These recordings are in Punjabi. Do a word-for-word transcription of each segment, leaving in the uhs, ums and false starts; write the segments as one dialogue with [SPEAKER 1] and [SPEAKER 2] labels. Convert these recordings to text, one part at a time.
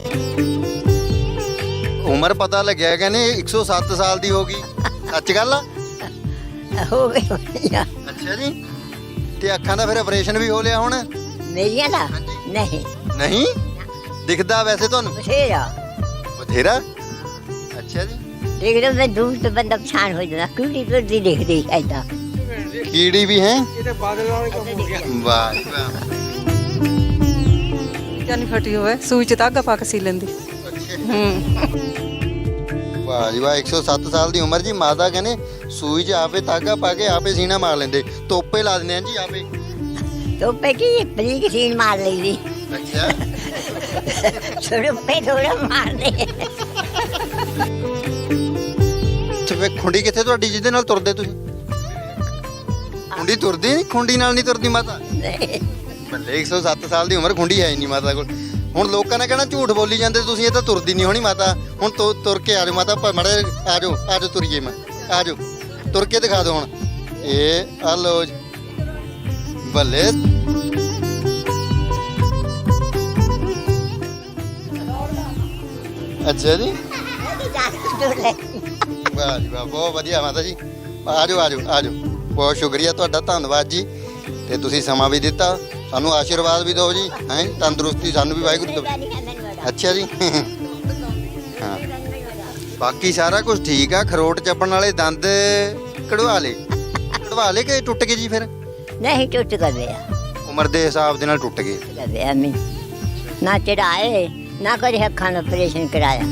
[SPEAKER 1] ਉਮਰ ਪਤਾ ਲੱਗਿਆ ਕਹਿੰਦੇ ਇੱਕ ਸੌ ਸੱਤ ਸਾਲ ਦੀ ਹੋ ਗਈ, ਸੱਚ ਗੱਲ ਆ?
[SPEAKER 2] ਹੋ ਗਈ ਹੋਣੀ ਆ।
[SPEAKER 1] ਅੱਛਾ ਜੀ। ਤੇ ਅੱਖਾਂ ਦਾ ਫਿਰ ਆਪਰੇਸ਼ਨ ਵੀ ਹੋ ਲਿਆ ਹੁਣ?
[SPEAKER 2] ਮੇਰੀਆਂ ਦਾ
[SPEAKER 1] ਹਾਂਜੀ।
[SPEAKER 2] ਨਹੀਂ
[SPEAKER 1] ਨਹੀਂ ਦਿਖਦਾ ਵੈਸੇ ਤੁਹਾਨੂੰ?
[SPEAKER 2] ਬਥੇਰਾ
[SPEAKER 1] ਬਥੇਰਾ। ਅੱਛਾ ਜੀ।
[SPEAKER 2] ਦੇਖ ਲਓ ਮੈਂ ਦੂਰ ਤੋਂ ਬੰਦਾ ਪਛਾਣ ਹੋ ਜਾਂਦਾ, ਕਿਹੜੀ ਤੁਰਦੀ ਦਿਖਦੀ ਐਦਾਂ।
[SPEAKER 1] ਕੀੜੀ ਵੀ ਹੈ?
[SPEAKER 3] ਇਹਦੇ ਬਾਦਲ ਵਾਲੇ ਕੰਮ ਹੋ ਗਿਆ।
[SPEAKER 1] ਵਾਹ ਜੀ ਵਾਹ।
[SPEAKER 3] ਜਾਨੀ ਫਟੀ ਹੋਵੇ ਸੂਈ ਚ ਧਾਗਾ ਪਾ ਕੇ ਸੀ ਲੈਂਦੀ। ਹੂੰ
[SPEAKER 1] ਵਾਹ ਜੀ ਵਾਹ। ਇੱਕ ਸੌ ਸੱਤ ਸਾਲ ਦੀ ਉਮਰ ਜੀ। ਮਾਤਾ ਕਹਿੰਦੇ ਸੂਈ 'ਚ ਆਪੇ ਧਾਗਾ ਪਾ ਕੇ ਆਪੇ ਸੀਨਾ ਮਾਰ ਲੈਂਦੇ, ਤੋਪੇ ਲਾ ਦਿੰਦੇ ਆ ਜੀ ਆਪੇ।
[SPEAKER 2] ਤੋਪੇ ਕੀ ਬਰੀਕ ਸੀਨ ਮਾਰ ਲਈਦੀ,
[SPEAKER 1] ਅੱਛਾ।
[SPEAKER 2] ਥੋੜੇ ਥੋੜਾ ਮਾਰਦੇ।
[SPEAKER 1] ਤੇ ਫਿਰ ਖੁੰਡੀ ਕਿੱਥੇ ਤੁਹਾਡੀ ਜਿਹਦੇ ਨਾਲ ਤੁਰਦੇ ਤੁਸੀਂ? ਖੁੰਡੀ ਤੁਰਦੀ ਨਹੀਂ? ਖੁੰਡੀ ਨਾਲ ਨਹੀਂ ਤੁਰਦੀ ਮਾਤਾ? ਬੱਲੇ, ਇੱਕ ਸੌ ਸੱਤ ਸਾਲ ਦੀ ਉਮਰ, ਖੁੰਡੀ ਹੈ ਹੀ ਨਹੀਂ ਮਾਤਾ ਕੋਲ। ਹੁਣ ਲੋਕਾਂ ਨੇ ਕਹਿਣਾ ਝੂਠ ਬੋਲੀ ਜਾਂਦੇ ਤੁਸੀਂ, ਇਹ ਤਾਂ ਤੁਰਦੀ ਨਹੀਂ ਹੋਣੀ ਮਾਤਾ। ਹੁਣ ਤੁ- ਤੁਰ ਕੇ ਆ ਜਾਓ ਮਾਤਾ, ਮੜੇ ਆ ਜਾਓ ਆ ਜਾਓ ਤੁਰੀਏ, ਮੈਂ ਆ ਜਾਓ ਤੁਰ ਕੇ ਦਿਖਾ ਦਿਓ ਹੁਣ। ਇਹ ਆ ਲੋ ਜੀ। ਬੱਲੇ। ਅੱਛਾ ਜੀ। ਵਾਹ ਜੀ ਵਾਹ, ਬਹੁਤ ਵਧੀਆ ਮਾਤਾ ਜੀ। ਆ ਜਾਓ ਆ ਜਾਓ ਆ ਜਾਓ। ਬਹੁਤ ਸ਼ੁਕਰੀਆ ਤੁਹਾਡਾ, ਧੰਨਵਾਦ ਜੀ। ਤੇ ਤੁਸੀਂ ਸਮਾਂ ਵੀ ਦਿੱਤਾ, ਸਾਨੂੰ ਆਸ਼ੀਰਵਾਦ ਵੀ ਦਿਓ ਜੀ। ਹੈਂ, ਤੰਦਰੁਸਤੀ ਸਾਨੂੰ ਵੀ ਵਾਹਿਗੁਰੂ ਦੇਵੇ। ਅੱਛਾ ਜੀ। ਹਾਂ, ਬਾਕੀ ਸਾਰਾ ਕੁਝ ਠੀਕ ਆ। ਖਰੋਟ ਚੱਪਣ ਵਾਲੇ ਦੰਦ ਕਢਵਾ ਲੇ ਕਢਵਾ ਲੇ ਕਿ ਟੁੱਟ ਗਏ ਜੀ? ਫਿਰ
[SPEAKER 2] ਨਹੀਂ ਟੁੱਟ ਗਏ ਆ,
[SPEAKER 1] ਉਮਰ ਦੇ ਹਿਸਾਬ ਦੇ ਨਾਲ ਟੁੱਟ ਗਏ।
[SPEAKER 2] ਗਏ ਆ ਮੈਂ ਨਾ ਚੜਾਏ ਨਾ ਕਦੇ ਅੱਖਾਂ ਦਾ ਆਪਰੇਸ਼ਨ ਕਰਾਇਆ।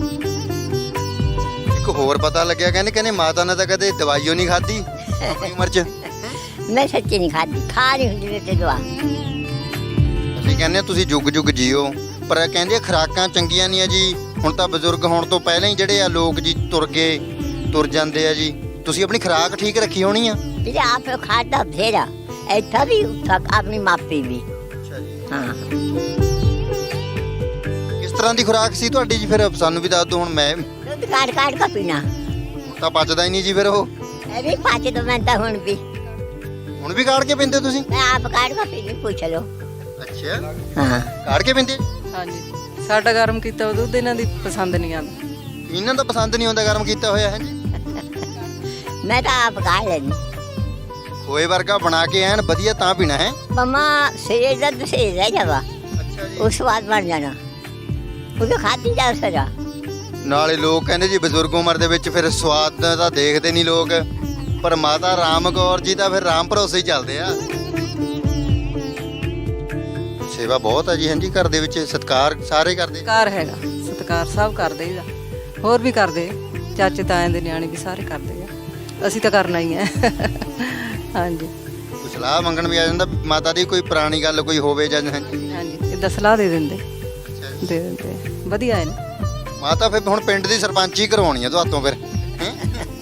[SPEAKER 1] ਇੱਕ ਹੋਰ ਪਤਾ ਲੱਗਿਆ, ਕਹਿੰਦੇ ਕਹਿੰਦੇ ਮਾਤਾ ਨੇ ਤਾਂ ਕਦੇ ਦਵਾਈਓ ਨਹੀਂ ਖਾਧੀ ਆਪਣੀ ਉਮਰ 'ਚ।
[SPEAKER 2] ਮੈਂ ਸੱਚੀ ਨਹੀਂ ਖਾਦੀ, ਖਾ ਨਹੀਂ ਹੁੰਦੀ ਤੇ ਦਵਾ।
[SPEAKER 1] ਅਸੀਂ ਕਹਿੰਦੇ ਹਾਂ ਤੁਸੀਂ ਜੁਗ ਜੁਗ ਜੀਓ, ਪਰ ਕਹਿੰਦੇ ਆ ਖੁਰਾਕਾਂ ਚੰਗੀਆਂ ਨਹੀਂ ਆ ਜੀ। ਹੁਣ ਤਾਂ ਬਜ਼ੁਰਗ ਹੋਣ ਤੋਂ ਪਹਿਲਾਂ ਹੀ ਜਿਹੜੇ ਆ ਲੋਕ ਜੀ ਤੁਰ ਗਏ, ਤੁਰ ਜਾਂਦੇ ਆ ਜੀ। ਤੁਸੀਂ ਆਪਣੀ ਖੁਰਾਕ ਠੀਕ ਰੱਖੀ ਹੋਣੀ ਆ?
[SPEAKER 2] ਤੇ ਆਪ ਖਾਦਾ ਫੇਰਾ ਇੱਥਾ ਵੀ ਉੱਥਾ ਆਪਣੀ ਮਾਪੀ ਵੀ।
[SPEAKER 1] ਅੱਛਾ ਜੀ।
[SPEAKER 2] ਹਾਂ,
[SPEAKER 1] ਕਿਸ ਤਰ੍ਹਾਂ ਦੀ ਖੁਰਾਕ ਸੀ ਤੁਹਾਡੀ ਜੀ? ਫਿਰ ਸਾਨੂੰ ਵੀ ਦੱਸ ਦਿਓ। ਹੁਣ ਮੈਂ
[SPEAKER 2] ਦੁੱਧ ਕਾੜ ਕਾੜ ਕੇ ਪੀਣਾ,
[SPEAKER 1] ਹੁਣ ਤਾਂ ਪਚਦਾ ਹੀ ਨਹੀਂ ਜੀ ਫਿਰ ਉਹ।
[SPEAKER 2] ਇਹ ਵੀ ਪਾਚ ਦੋ ਮੈਂ ਤਾਂ ਹੁਣ ਵੀ
[SPEAKER 1] ਹੁਣ ਵੀ ਕਾੜ ਕੇ ਪੀਂਦੇ ਤੁਸੀਂ?
[SPEAKER 2] ਮੈਂ ਆਪ ਕਾੜ ਕੇ ਪੀਣੀ, ਪੁੱਛ ਲਓ।
[SPEAKER 1] ਅੱਛਾ,
[SPEAKER 2] ਹਾਂ,
[SPEAKER 1] ਕਾੜ ਕੇ ਪੀਂਦੇ?
[SPEAKER 3] ਹਾਂਜੀ ਸਾਡਾ ਗਰਮ ਕੀਤਾ ਉਹ ਦੁੱਧ ਇਹਨਾਂ ਦੀ ਪਸੰਦ ਨਹੀਂ ਆਉਂਦਾ।
[SPEAKER 1] ਇਹਨਾਂ ਦਾ ਪਸੰਦ ਨਹੀਂ ਆਉਂਦਾ ਗਰਮ ਕੀਤਾ ਹੋਇਆ ਹੈ ਜੀ।
[SPEAKER 2] ਮੈਂ ਤਾਂ ਆਪ ਕਾੜ ਲੈਣੀ।
[SPEAKER 1] ਖੋਏ ਵਰਗਾ ਬਣਾ ਕੇ ਐਨ ਵਧੀਆ ਤਾਂ ਪੀਣਾ ਹੈ।
[SPEAKER 2] ਮਮਾ ਸੇਜ ਦਾ ਦਸੇ ਰਹਿ ਜਾਵਾ,
[SPEAKER 1] ਅੱਛਾ ਜੀ।
[SPEAKER 2] ਉਹ ਸਵਾਦ ਬਣ ਜਾਣਾ, ਉਹ ਖਾਦੀ ਜਾ ਸਰਾ।
[SPEAKER 1] ਨਾਲੇ ਲੋਕ ਕਹਿੰਦੇ ਜੀ ਬਜ਼ੁਰਗ ਉਮਰ ਦੇ ਵਿੱਚ ਫਿਰ ਸਵਾਦ ਤਾਂ ਦੇਖਦੇ ਨਹੀਂ ਲੋਕ, ਪਰ ਮਾਤਾ ਰਾਮ ਕੌਰ ਜੀ ਤਾਂ ਫਿਰ ਰਾਮ ਭਰੋਸੇ ਹੀ ਚੱਲਦੇ ਆ। ਸੇਵਾ ਬਹੁਤ ਹੈ ਜੀ। ਹਾਂਜੀ, ਘਰ ਦੇ ਵਿੱਚ ਸਤਿਕਾਰ ਸਾਰੇ ਕਰਦੇ?
[SPEAKER 3] ਸਤਿਕਾਰ ਹੈਗਾ, ਸਤਿਕਾਰ ਸਭ ਕਰਦੇ ਇਹਦਾ, ਹੋਰ ਵੀ ਕਰਦੇ, ਚਾਚੇ ਤਾਇਆਂ ਦੇ ਨਿਆਣੇ ਵੀ ਸਾਰੇ ਕਰਦੇ ਆ। ਅਸੀਂ ਤਾਂ ਕਰਨਾ ਹੀ ਹੈ। ਹਾਂਜੀ
[SPEAKER 1] ਕੋਈ ਸਲਾਹ ਮੰਗਣ ਵੀ ਆ ਜਾਂਦਾ ਮਾਤਾ ਦੀ, ਕੋਈ ਪੁਰਾਣੀ ਗੱਲ ਕੋਈ ਹੋਵੇ ਜਾਂ? ਹਾਂਜੀ
[SPEAKER 3] ਹਾਂਜੀ ਇੱਦਾਂ ਸਲਾਹ ਦੇ ਦਿੰਦੇ,
[SPEAKER 1] ਅੱਛਾ ਜੀ।
[SPEAKER 3] ਦੇ ਦਿੰਦੇ ਵਧੀਆ ਹੈ ਨਾ।
[SPEAKER 1] ਮਾਤਾ ਫਿਰ ਹੁਣ ਪਿੰਡ ਦੀ ਸਰਪੰਚੀ ਕਰਵਾਉਣੀ ਆ ਤੁਹਾਤੋਂ ਫਿਰ ਹੈਂ?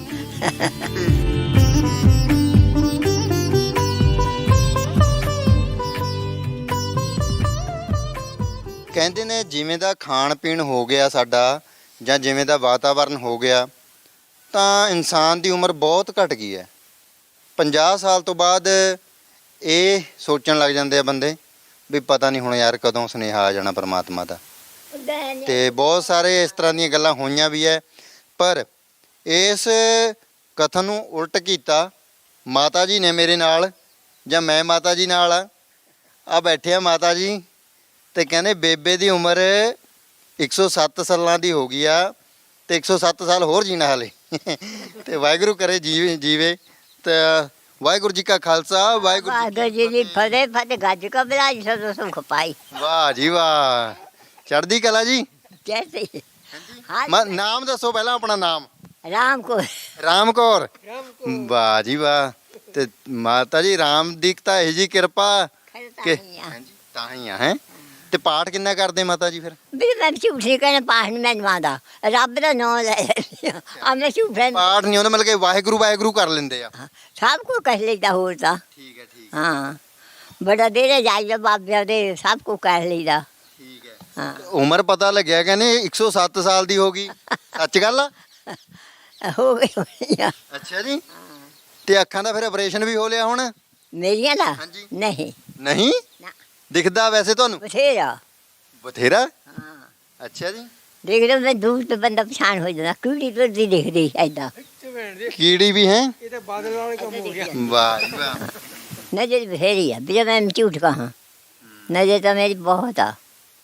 [SPEAKER 1] ਕਹਿੰਦੇ ਨੇ ਜਿਵੇਂ ਦਾ ਖਾਣ ਪੀਣ ਹੋ ਗਿਆ ਸਾਡਾ, ਜਾਂ ਜਿਵੇਂ ਦਾ ਵਾਤਾਵਰਨ ਹੋ ਗਿਆ, ਤਾਂ ਇਨਸਾਨ ਦੀ ਉਮਰ ਬਹੁਤ ਘਟ ਗਈ ਹੈ। ਪੰਜਾਹ ਸਾਲ ਤੋਂ ਬਾਅਦ ਇਹ ਸੋਚਣ ਲੱਗ ਜਾਂਦੇ ਆ ਬੰਦੇ ਵੀ ਪਤਾ ਨਹੀਂ ਹੁਣ ਯਾਰ ਕਦੋਂ ਸੁਨੇਹਾ ਆ ਜਾਣਾ ਪਰਮਾਤਮਾ ਦਾ। ਤੇ ਬਹੁਤ ਸਾਰੇ ਇਸ ਤਰ੍ਹਾਂ ਦੀਆਂ ਗੱਲਾਂ ਹੋਈਆਂ ਵੀ ਹੈ। ਪਰ ਇਸ ਕਥਨ ਨੂੰ ਉਲਟ ਕੀਤਾ ਮਾਤਾ ਜੀ ਨੇ ਮੇਰੇ ਨਾਲ, ਜਾਂ ਮੈਂ ਮਾਤਾ ਜੀ ਨਾਲ ਆ ਆ ਬੈਠੇ ਆ ਮਾਤਾ ਜੀ, ਤੇ ਕਹਿੰਦੇ ਬੇਬੇ ਦੀ ਉਮਰ ਇੱਕ ਸੌ ਸੱਤ ਸਾਲਾਂ ਦੀ ਹੋ ਗਈ ਆ, ਤੇ ਇੱਕ ਸੌ ਸੱਤ ਸਾਲ ਹੋਰ ਜੀਣਾ ਹਾਲੇ। ਤੇ ਵਾਹਿਗੁਰੂ ਕਰੇ ਜੀਵੇ ਜੀਵੇ ਤੇ ਵਾਹਿਗੁਰੂ ਜੀ ਕਾ ਖਾਲਸਾ, ਵਾਹਿਗੁਰੂ ਜੀ
[SPEAKER 2] ਵਾਹਿਗੁਰੂ ਜੀ ਦੀ ਫਤਿਹ। ਫਤਿਹ ਗੱਜ ਕੇ ਬਲਾਈ ਸੋ ਸੁਖ ਪਾਈ।
[SPEAKER 1] ਵਾਹ ਜੀ ਵਾਹ, ਚੜ੍ਹਦੀ ਕਲਾ ਜੀ।
[SPEAKER 2] ਜੈਸੇ
[SPEAKER 1] ਮ- ਨਾਮ ਦੱਸੋ ਪਹਿਲਾਂ ਆਪਣਾ ਨਾਮ।
[SPEAKER 2] ਰਾਮ ਕੋ
[SPEAKER 1] ਰਾਮ ਕੌਰ। ਵਾਹ ਜੀ ਵਾਹ। ਤੇ ਮਾਤਾ ਜੀ ਰਾਮ ਦੀ ਤਾਂ ਇਹ ਜੀ ਕਿਰਪਾ ਕਿ ਹਾਂਜੀ ਤਾਂ ਹੀ ਆ ਹੈ। ਤੇ ਪਾਠ ਕਿੰਨਾ ਕਰਦੇ ਮਾਤਾ ਜੀ ਫਿਰ?
[SPEAKER 2] ਵੀ ਮੈਂ ਝੂਠ ਨਹੀਂ ਕਹਿਣਾ, ਪਾਠ ਨਹੀਂ ਮੈਨੂੰ ਆਉਂਦਾ, ਰੱਬ ਦਾ ਨਾਮ ਲੈ ਆ ਮੈਂ ਝੂਠ ਨਹੀਂ।
[SPEAKER 1] ਪਾਠ ਨਹੀਂ ਆਉਂਦਾ, ਮਤਲਬ ਕਿ ਵਾਹਿਗੁਰੂ ਵਾਹਿਗੁਰੂ ਕਰ ਲੈਂਦੇ ਆ।
[SPEAKER 2] ਸਭ ਕੁਝ ਕਹਿ ਲਈਦਾ ਹੋਰ ਤਾਂ।
[SPEAKER 1] ਠੀਕ ਹੈ ਠੀਕ
[SPEAKER 2] ਹਾਂ, ਬੜਾ ਦੇਰੇ ਜਾਈਦਾ ਬਾਬਿਆਂ ਦੇ, ਸਭ ਕੁਝ ਕਹਿ ਲਈਦਾ।
[SPEAKER 1] ਠੀਕ ਹੈ।
[SPEAKER 2] ਹਾਂ,
[SPEAKER 1] ਉਮਰ ਪਤਾ ਲੱਗਿਆ ਕਹਿੰਦੇ ਇੱਕ ਸੌ ਸੱਤ ਸਾਲ ਦੀ ਹੋ ਗਈ, ਸੱਚ ਗੱਲ ਆ?
[SPEAKER 2] ਹੋ ਗਈ ਹੋਣੀ ਆ।
[SPEAKER 1] ਅੱਛਾ ਜੀ। ਤੇ ਅੱਖਾਂ ਦਾ ਫਿਰ ਆਪਰੇਸ਼ਨ ਵੀ ਹੋ ਲਿਆ ਹੁਣ?
[SPEAKER 2] ਮੇਰੀਆਂ ਦਾ
[SPEAKER 1] ਹਾਂਜੀ।
[SPEAKER 2] ਨਹੀਂ
[SPEAKER 1] ਨਹੀਂ
[SPEAKER 2] ਨਾ,
[SPEAKER 1] ਦਿਖਦਾ ਵੈਸੇ ਤੁਹਾਨੂੰ?
[SPEAKER 2] ਬਥੇਰਾ।
[SPEAKER 1] ਬਥੇਰਾ।
[SPEAKER 2] ਹਾਂ,
[SPEAKER 1] ਅੱਛਾ ਜੀ।
[SPEAKER 2] ਦੇਖ ਲਓ ਮੈਂ ਦੂਰ ਤੋਂ ਬੰਦਾ ਪਛਾਣ ਹੋ ਜਾਂਦਾ ਕਿਹੜੀ ਤੁਰਦੀ ਦਿਖਦੀ ਐਦਾਂ
[SPEAKER 1] ਕੀੜੀ ਵੀ ਹੈ।
[SPEAKER 4] ਇਹ ਤਾਂ ਬਾਦਲ ਵਾਲੇ ਕੰਮ ਹੋ ਗਿਆ।
[SPEAKER 1] ਵਾਹ ਜੀ ਵਾਹ।
[SPEAKER 2] ਨਜ਼ਰ ਬਥੇਰੀ ਆ ਵੀ ਮੈਂ ਝੂਠ ਕਹਾਂ ਨਜ਼ਰ ਤਾਂ ਮੇਰੀ ਬਹੁਤ ਆ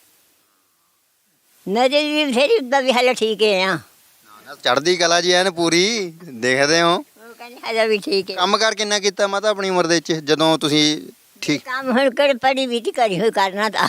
[SPEAKER 2] ਨਜ਼ਰ ਵੀ ਬਥੇਰੀ ਉੱਦਾਂ ਵੀ ਹਾਲੇ ਠੀਕ ਹੈ ਆ
[SPEAKER 1] ਚੜ੍ਹਦੀ ਕਲਾ ਜੀ ਐਨ ਪੂਰੀ ਦੇਖਦੇ ਹੋ।
[SPEAKER 2] ਉਹ ਕਹਿੰਦੇ ਹਾਲੇ ਵੀ ਠੀਕ ਹੈ
[SPEAKER 1] ਕੰਮ ਕਾਰ ਕਿੰਨਾ ਕੀਤਾ ਮਾਤਾ ਆਪਣੀ ਉਮਰ ਦੇ ਵਿੱਚ ਜਦੋਂ ਤੁਸੀਂ ਠੀਕ
[SPEAKER 2] ਕੰਮ ਹੁਣ ਕਰ ਪੜੀ ਵੀ ਤੀ ਕਰੀ ਹੋਈ ਕਰਨਾ ਤਾਂ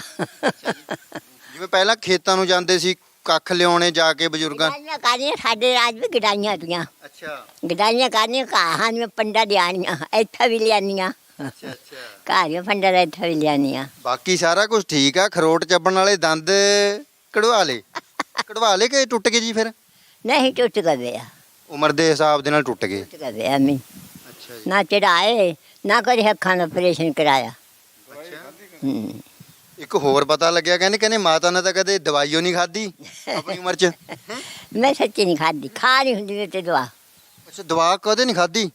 [SPEAKER 1] ਜਿਵੇਂ ਪਹਿਲਾਂ ਖੇਤਾਂ ਨੂੰ ਜਾਂਦੇ ਸੀ ਕੱਖ ਲਿਆਉਣੇ ਜਾ ਕੇ ਬਜ਼ੁਰਗਾਂ।
[SPEAKER 2] ਗਡਾਈਆਂ ਕਰਨੀਆਂ ਸਾਡੇ ਰਾਜ ਵੀ ਗਡਾਈਆਂ ਤੀਆਂ
[SPEAKER 1] ਅੱਛਾ
[SPEAKER 2] ਗਡਾਈਆਂ ਕਰਨੀਆਂ ਘਾਹਾਂ ਦੀਆਂ ਪੰਡਾ ਲਿਆਣੀਆਂ ਇੱਥੇ ਵੀ ਲਿਆਣੀਆਂ
[SPEAKER 1] ਅੱਛਾ ਅੱਛਾ।
[SPEAKER 2] ਘਰ ਦੀਆਂ ਪੰਡਾ ਦਾ ਇੱਥੇ ਵੀ ਲਿਆਣੀਆਂ
[SPEAKER 1] ਬਾਕੀ ਸਾਰਾ ਕੁਝ ਠੀਕ ਆ। ਖਰੋਟ ਚੱਬਣ ਵਾਲੇ ਦੰਦ ਕਢਵਾ ਲੇ ਕਢਵਾ ਲੇ ਕਿ ਟੁੱਟ ਗਏ ਜੀ ਫਿਰ?
[SPEAKER 2] ਨਹੀਂ ਟੁੱਟ ਗਏ ਆ
[SPEAKER 1] ਉਮਰ ਦੇ ਹਿਸਾਬ ਦੇ ਨਾਲ ਟੁੱਟ ਗਏ।
[SPEAKER 2] ਟੁੱਟ ਗਏ ਆ ਮੈਂ
[SPEAKER 1] ਅੱਛਾ ਜੀ।
[SPEAKER 2] ਨਾ ਚੜਾਏ ਨਾ ਕਦੇ ਅੱਖਾਂ ਦਾ ਆਪਰੇਸ਼ਨ ਕਰਾਇਆ
[SPEAKER 1] ਅੱਛਾ।
[SPEAKER 2] ਹੂੰ
[SPEAKER 1] ਇੱਕ ਹੋਰ ਪਤਾ ਲੱਗਿਆ ਕਹਿੰਦੇ ਕਹਿੰਦੇ ਮਾਤਾ ਨੇ ਤਾਂ ਕਦੇ ਦਵਾਈਓ ਨਹੀਂ ਖਾਧੀ ਆਪਣੀ ਉਮਰ 'ਚ।
[SPEAKER 2] ਮੈਂ ਸੱਚੀ ਨਹੀਂ ਖਾਦੀ ਖਾ ਨਹੀਂ ਹੁੰਦੀ ਮੇਰੇ ਤੇ ਦਵਾ
[SPEAKER 1] ਅੱਛਾ ਦਵਾ ਕਦੇ ਨਹੀਂ ਖਾਧੀ।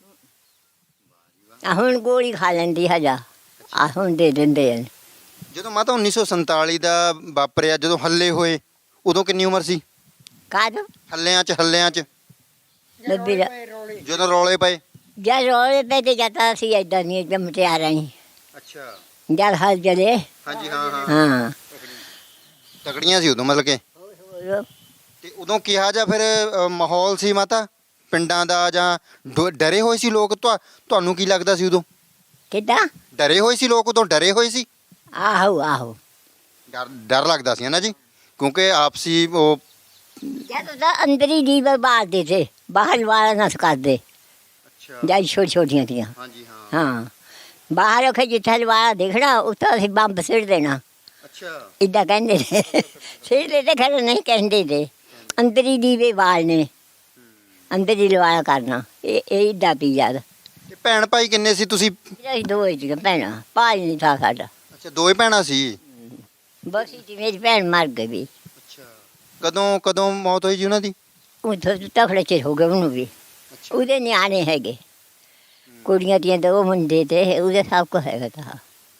[SPEAKER 2] ਆ ਹੁਣ ਗੋਲੀ ਖਾ ਲੈਂਦੀ ਹਜਾ ਆ ਹੁਣ ਦੇ ਦਿੰਦੇ ਆ
[SPEAKER 1] ਜਦੋਂ ਮਾਤਾ ਉੱਨੀ ਸੌ ਸੰਤਾਲੀ ਦਾ ਵਾਪਰਿਆ ਜਦੋਂ ਹੱਲੇ ਹੋਏ ਉਦੋਂ ਕਿੰਨੀ ਉਮਰ ਸੀ?
[SPEAKER 2] ਕਾਦ
[SPEAKER 1] ਹੱਲਿਆਂ 'ਚ ਹੱਲਿਆਂ 'ਚ
[SPEAKER 2] ਲੱਭੀ ਦਾ
[SPEAKER 1] ਜਦੋਂ ਰੌਲੇ ਪਏ।
[SPEAKER 2] ਜਦ ਰੋਲੇ ਪੈ ਤੇ ਜਾਂਦਾ ਸੀ ਏਦਾਂ ਨਹੀਂ ਜੰਮਤੇ ਆ ਰਹੀ
[SPEAKER 1] ਅੱਛਾ।
[SPEAKER 2] ਜਦ ਹਲ ਜਲੇ
[SPEAKER 1] ਹਾਂਜੀ ਹਾਂ ਹਾਂ
[SPEAKER 2] ਹਾਂ
[SPEAKER 1] ਤਕੜੀਆਂ ਸੀ ਉਦੋਂ ਮਤਲਬ ਕਿ।
[SPEAKER 2] ਹੋਰ
[SPEAKER 1] ਤੇ ਉਦੋਂ ਕਿਹਾ ਜਾਂ ਫਿਰ ਅ, ਮਾਹੌਲ ਸੀ ਮਾਤਾ ਪਿੰਡਾਂ ਦਾ ਜਾਂ ਡੋ- ਡਰੇ ਹੋਏ ਸੀ ਲੋਕ? ਤੁਹਾ- ਤੁਹਾਨੂੰ ਕੀ ਲੱਗਦਾ ਸੀ ਉਦੋਂ?
[SPEAKER 2] ਕਿੱਦਾਂ
[SPEAKER 1] ਡਰੇ ਹੋਏ ਸੀ ਲੋਕ ਉਦੋਂ? ਡਰੇ ਹੋਏ ਸੀ?
[SPEAKER 2] ਆਹੋ ਆਹੋ
[SPEAKER 1] ਡਰ ਡਰ ਲੱਗਦਾ ਸੀ ਨਾ ਜੀ ਕਿਉਂਕਿ ਆਪਸੀ ਉਹ।
[SPEAKER 2] ਜਦ ਤਾਂ ਅੰਦਰ ਹੀ ਜੀਵ ਬਾਲਦੇ ਥੇ ਬਾਹਰ ਵਾਲਾ ਨਾ ਕਰਦੇ
[SPEAKER 1] ਅੱਛਾ
[SPEAKER 2] ਜਦ ਛੋਟੀ ਛੋਟੀਆਂ ਤੀਆਂ
[SPEAKER 1] ਹਾਂਜੀ ਹਾਂ
[SPEAKER 2] ਹਾਂ ਬਾਹਰ ਉਹ ਜਿੱਥੇ ਵਾਲਾ ਦੇਖਣਾ ਉੱਥੇ ਅਸੀਂ ਬੰਬ ਸਿੱਟ ਦੇਣਾ
[SPEAKER 1] ਅੱਛਾ
[SPEAKER 2] ਇੱਦਾਂ ਕਹਿੰਦੇ ਨੇ ਸਿੱਟ ਦੇ ਤੇ ਖਰੇ ਨਹੀਂ ਕਹਿੰਦੇ ਤੇ ਅੰਦਰ ਹੀ ਦੀਵੇ ਬਾਲਨੇ ਅੰਦਰ ਹੀ ਲਵਾਇਆ ਕਰਨਾ ਇਹ ਇਹ ਇੱਦਾਂ ਪੀ ਯਾਰ
[SPEAKER 1] ਤੇ ਭੈਣ ਭਾਈ ਕਿੰਨੇ ਸੀ ਤੁਸੀਂ?
[SPEAKER 2] ਅਸੀਂ ਦੋ ਹੀ ਭੈਣਾਂ ਭਾਈ ਨਹੀਂ ਥਾ ਸਾਡਾ
[SPEAKER 1] ਅੱਛਾ ਦੋਏ ਭੈਣਾਂ ਸੀ।
[SPEAKER 2] ਬਸ ਜੀ ਮੇਰੀ ਭੈਣ ਮਰ ਗਈ ਵੀ
[SPEAKER 1] ਅੱਛਾ ਕਦੋਂ ਕਦੋਂ ਮੌਤ ਹੋਈ ਜੀ ਉਹਨਾਂ ਦੀ?
[SPEAKER 2] ਉਹ ਤਖੜੇ ਚ ਹੋ ਗਏ ਉਹਨੂੰ ਵੀ
[SPEAKER 1] ਅੱਛਾ
[SPEAKER 2] ਉਹਦੇ ਨਿਆਣੇ ਹੈਗੇ ਕੁੜੀਆਂ ਦੀਆਂ ਦੋ ਮੁੰਡੇ ਤੇ ਉਹਦੇ ਸਭ ਕੁਛ ਹੈਗਾ ਤਾਂ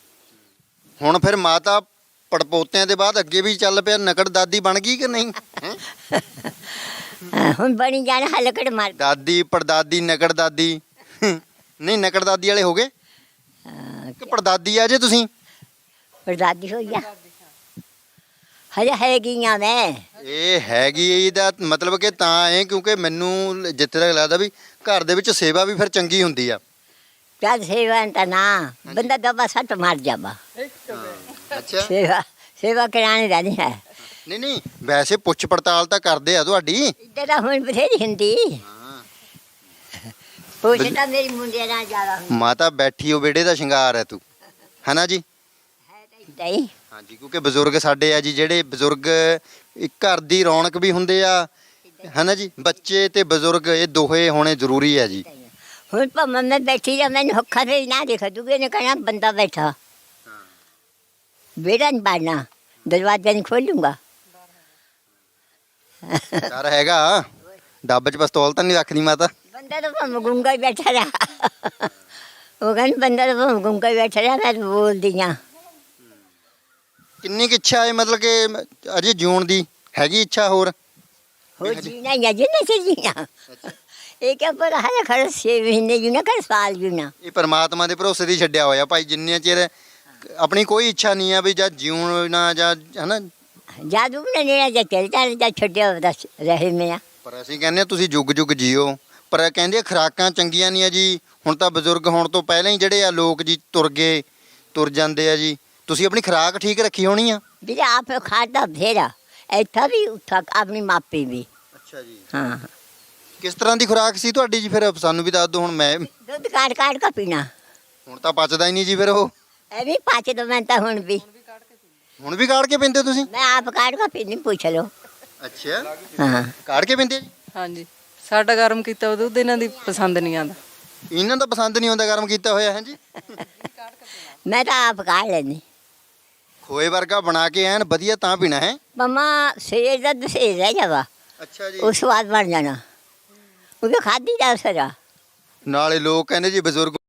[SPEAKER 1] ਹੁਣ ਫਿਰ ਮਾਤਾ ਪੜਪੋਤਿਆਂ ਦੇ ਬਾਅਦ ਅੱਗੇ ਵੀ ਚੱਲ ਪਿਆ ਨਕੜ ਦਾਦੀ ਬਣ ਗਈ ਕਿ ਨਹੀਂ? ਹੈਂ?
[SPEAKER 2] ਹਾਂ, ਹੁਣ ਬਣੀ ਜਾਣਾ ਹਲਕੜ ਮਾਰ
[SPEAKER 1] ਦਾਦੀ ਪੜਦਾਦੀ ਨਕੜ ਦਾਦੀ ਨਹੀਂ ਨਕੜ ਦਾਦੀ ਵਾਲੇ ਹੋ ਗਏ
[SPEAKER 2] ਹਾਂ,
[SPEAKER 1] ਕਿ ਪੜਦਾਦੀ ਆ ਜੇ ਤੁਸੀਂ?
[SPEAKER 2] ਪੜਦਾਦੀ ਹੋਈ ਆ ਹਜੇ ਹੈਗੀਆਂ ਮੈਂ
[SPEAKER 1] ਇਹ ਹੈਗੀ ਇਹਦਾ ਮਤਲਬ ਕਿ ਤਾਂ ਹੈ ਕਿਉਂਕਿ ਮੈਨੂੰ ਜਿੱਥੇ ਤੱਕ ਲੱਗਦਾ ਵੀ ਘਰ ਦੇ ਵਿੱਚ ਸੇਵਾ ਵੀ ਫਿਰ ਚੰਗੀ ਹੁੰਦੀ ਆ।
[SPEAKER 2] ਜਦ ਸੇਵਾ ਤਾਂ ਨਾ ਬੰਦਾ ਦਬਾ ਸੱਟ ਮਾਰ ਜਾਵਾ
[SPEAKER 1] ਅੱਛਾ
[SPEAKER 2] ਸੇਵਾ ਸੇਵਾ ਕਰਾਣੀ ਰਹਿਣੀ ਹੈ
[SPEAKER 1] ਨਹੀਂ ਨਹੀਂ ਵੈਸੇ ਪੁੱਛ ਪੜਤਾਲ ਤਾਂ ਕਰਦੇ ਆ ਤੁਹਾਡੀ।
[SPEAKER 2] ਇੱਦਾਂ ਤਾਂ ਹੁਣ ਬਥੇਰੀ ਹੁੰਦੀ
[SPEAKER 1] ਹਾਂ।
[SPEAKER 2] ਪੁੱਛ ਤਾਂ ਮੇਰੀ ਮੁੰਡੇ ਨਾਲ ਜ਼ਿਆਦਾ ਹੁੰਦੀ
[SPEAKER 1] ਮਾਤਾ ਬੈਠੀ ਉਹ ਵਿਹੜੇ ਦਾ ਸ਼ਿੰਗਾਰ ਹੈ ਤੂੰ ਹਨਾ ਜੀ?
[SPEAKER 2] ਹੈ ਤਾਂ ਇੱਦਾਂ ਹੀ
[SPEAKER 1] ਹਾਂਜੀ ਕਿਉਂਕਿ ਬਜ਼ੁਰਗ ਸਾਡੇ ਆ ਜੀ ਜਿਹੜੇ ਬਜ਼ੁਰਗ ਇੱਕ ਘਰ ਦੀ ਰੌਣਕ ਵੀ ਹੁੰਦੇ ਆ ਹਨਾ ਜੀ। ਬੱਚੇ ਤੇ ਬਜ਼ੁਰਗ ਇਹ ਦੋਹੇ ਹੋਣੇ ਜ਼ਰੂਰੀ ਹੈ ਜੀ।
[SPEAKER 2] ਹੁਣ ਭਾਵੇਂ ਮੈਂ ਬੈਠੀ ਜਾਂ ਮੈਨੂੰ ਅੱਖਾਂ ਤੇ ਨਾ ਦੇਖ ਦੂਗੇ ਨੇ ਕਹਿਣਾ ਬੰਦਾ ਬੈਠਾ ਵਿਹੜਾ ਨਹੀਂ ਬਾੜਨਾ ਦਰਵਾਜ਼ਾ ਨਹੀਂ ਖੋਲੂੰਗਾ
[SPEAKER 1] ਡਰ ਹੈਗਾ ਡੱਬ 'ਚ ਪਿਸਤੌਲ ਤਾਂ ਨਹੀਂ ਰੱਖਦੀ ਮਾਤਾ?
[SPEAKER 2] ਬੰਦਾ ਤਾਂ ਭਾਵੇਂ ਗੁੰਗਾ ਹੀ ਬੈਠਾ ਰਿਹਾ ਉਹ ਕਹਿੰਦੇ ਬੰਦਾ ਤਾਂ ਭਾਵੇਂ ਗੁੰਗਾ ਹੀ ਬੈਠਾ ਰਿਹਾ ਮੈਂ ਤਾਂ ਬੋਲਦੀ ਹਾਂ
[SPEAKER 1] ਕਿੰਨੀ ਕੁ ਇੱਛਾ ਹੈ ਮਤਲਬ ਕਿ ਅਜੇ ਜਿਉਣ ਦੀ ਹੈਗੀ ਇੱਛਾ ਹੋਰ?
[SPEAKER 2] ਹੋ ਜੀਣਾ ਜਾਂ ਜਿੰਨੇ ਸੇ ਜੀਣਾ ਇਹ ਕਿਆ ਪਰ ਹਰ ਖੜ ਛੇ ਮਹੀਨੇ ਜੀਣਾ ਕਰ ਸਾਲ ਜੀਣਾ
[SPEAKER 1] ਇਹ ਪਰਮਾਤਮਾ ਦੇ ਭਰੋਸੇ ਦੀ ਛੱਡਿਆ ਹੋਇਆ ਭਾਈ ਜਿੰਨੇ ਚਿਰ ਆਪਣੀ ਕੋਈ ਇੱਛਾ ਨਹੀਂ ਆ ਵੀ ਜਾਂ ਜਿਉਣਾ ਜਾਂ ਹਨਾ।
[SPEAKER 2] ਜਾਦੂ ਨੇ ਨੇੜਾ ਜਾਂ ਚੱਲ ਚੱਲ ਜਾਂ ਛੱਡਿਆ ਦੱਸ ਰਹੇ ਮੈਂ
[SPEAKER 1] ਪਰ ਅਸੀਂ ਕਹਿੰਦੇ ਹਾਂ ਤੁਸੀਂ ਜੁਗ ਜੁਗ ਜੀਓ ਪਰ ਕਹਿੰਦੇ ਆ ਖੁਰਾਕਾਂ ਚੰਗੀਆਂ ਨਹੀਂ ਆ ਜੀ। ਹੁਣ ਤਾਂ ਬਜ਼ੁਰਗ ਹੋਣ ਤੋਂ ਪਹਿਲਾਂ ਹੀ ਜਿਹੜੇ ਆ ਲੋਕ ਜੀ ਤੁਰ ਗਏ ਤੁਰ ਜਾਂਦੇ ਆ ਜੀ। ਤੁਸੀਂ ਆਪਣੀ ਖੁਰਾਕ ਠੀਕ ਰੱਖੀ ਹੋਣੀ ਆ?
[SPEAKER 2] ਵੀਰੇ ਆਪ ਖਾਦਾ ਫੇਰਾ ਇੱਥਾ ਵੀ ਉੱਥਾ ਆਪਣੀ ਮਾਪੀ ਵੀ
[SPEAKER 1] ਅੱਛਾ ਜੀ।
[SPEAKER 2] ਹਾਂ
[SPEAKER 1] ਕਿਸ ਤਰ੍ਹਾਂ ਦੀ ਖੁਰਾਕ ਸੀ ਤੁਹਾਡੀ ਜੀ ਫਿਰ ਸਾਨੂੰ ਵੀ ਦੱਸ ਦਿਓ। ਹੁਣ ਮੈਂ
[SPEAKER 2] ਦੁੱਧ ਕਾੜ ਕਾੜ ਕੇ ਪੀਣਾ
[SPEAKER 1] ਹੁਣ ਤਾਂ ਪਚਦਾ ਹੀ ਨਹੀਂ ਜੀ ਫਿਰ ਉਹ।
[SPEAKER 2] ਇਹ ਵੀ ਪਾਚ ਦੋ ਮੈਂ ਤਾਂ ਹੁਣ ਵੀ
[SPEAKER 1] ਹੁਣ ਵੀ ਕਾੜ ਕੇ ਪੀਂਦੇ ਤੁਸੀਂ?
[SPEAKER 2] ਮੈਂ ਆਪ ਕਾੜ ਕੇ ਪੀਣੀ ਪੁੱਛ ਲਓ
[SPEAKER 1] ਅੱਛਾ
[SPEAKER 2] ਹਾਂ
[SPEAKER 1] ਕਾੜ ਕੇ ਪੀਂਦੇ ਜੀ?
[SPEAKER 3] ਹਾਂਜੀ ਸਾਡਾ ਗਰਮ ਕੀਤਾ ਹੋਇਆ ਦੁੱਧ ਇਹਨਾਂ ਦੀ ਪਸੰਦ ਨਹੀਂ ਆਉਂਦਾ।
[SPEAKER 1] ਇਹਨਾਂ ਦਾ ਪਸੰਦ ਨਹੀਂ ਆਉਂਦਾ ਗਰਮ ਕੀਤਾ ਹੋਇਆ ਹੈ ਜੀ।
[SPEAKER 2] ਮੈਂ ਤਾਂ ਆਪ ਕਾੜ ਲੈਣੀ
[SPEAKER 1] ਖੋਏ ਵਰਗਾ ਬਣਾ ਕੇ ਐਨ ਵਧੀਆ ਤਾਂ ਪੀਣਾ ਹੈ।
[SPEAKER 2] ਮਮਾ ਸੇਜ ਦਾ ਦਸੇ ਰਹਿ ਜਾਵਾ
[SPEAKER 1] ਅੱਛਾ ਜੀ।
[SPEAKER 2] ਉਹ ਸਵਾਦ ਬਣ ਜਾਣਾ ਉਹ ਖਾਦੀ ਦਾ ਸਰਾ
[SPEAKER 1] ਨਾਲੇ ਲੋਕ ਕਹਿੰਦੇ ਜੀ ਬਜ਼ੁਰਗ